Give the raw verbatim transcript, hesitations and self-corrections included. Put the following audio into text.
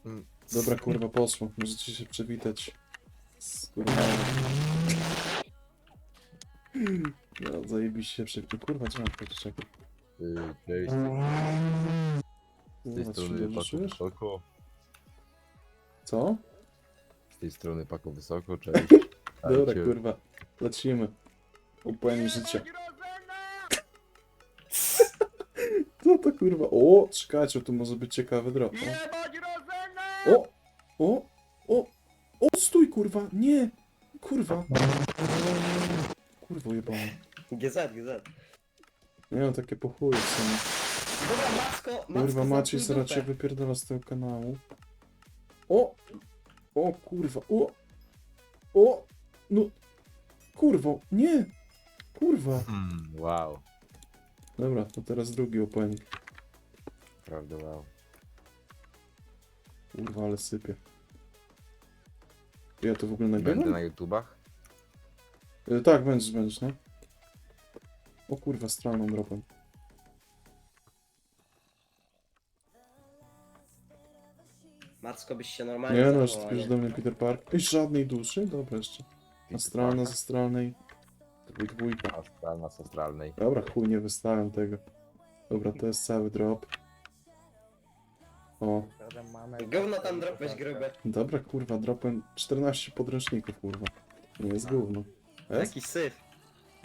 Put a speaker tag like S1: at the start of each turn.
S1: Mm.
S2: Dobra, kurwa, poszło. Możecie się przywitać. Z kurwa. No, zajebiście się przywitać. Kurwa, trzeba powiedzieć, czekaj.
S1: Yy, Cześć, z tej
S2: Kurwa, ty się
S1: strony
S2: dobrze
S1: Paku
S2: czujesz?
S1: Wysoko.
S2: Co?
S1: Z tej strony Paku Wysoko, cześć.
S2: Dobra,
S1: Dajcie.
S2: kurwa. Lecimy. Upłynnie życia. Co to kurwa? O, czekajcie, tu może być ciekawy drop. O! O! O! O! O! Stój, kurwa! Nie! Kurwa! Kurwa jebana.
S3: G Z, G Z.
S2: Nie no, takie po chuju w sumie.
S3: Dobra, Macko, Macko,
S2: Kurwa, Maciej
S3: zamknij
S2: zaraz cię
S3: dupę.
S2: wypierdala z tego kanału. O! O kurwa! O! O! No! Kurwo! Nie! Kurwa!
S1: Hmm, wow,
S2: Dobra, to teraz drugi opening.
S1: prawda wow.
S2: Kurwa, ale sypie. Ja to w ogóle
S1: Będę
S2: nagrywam?
S1: na YouTubach?
S2: E, tak, będziesz, będziesz, no. O kurwa, stroną dropem.
S3: Macko, byś się normalnie
S2: Nie no, już
S3: zachował,
S2: ty już
S3: nie?
S2: do mnie Peter Park. I żadnej duszy? Dobra jeszcze. Astralna z astralnej. Dwój dwójka.
S1: Astralna z astralnej.
S2: Dobra, chuj, nie wystawiam tego. Dobra, to jest cały drop. O,
S3: Gówno tam dropłeś grube.
S2: dobra, kurwa, dropem czternaście podręczników, kurwa. Nie jest gówno. Jest?
S3: Jaki syf.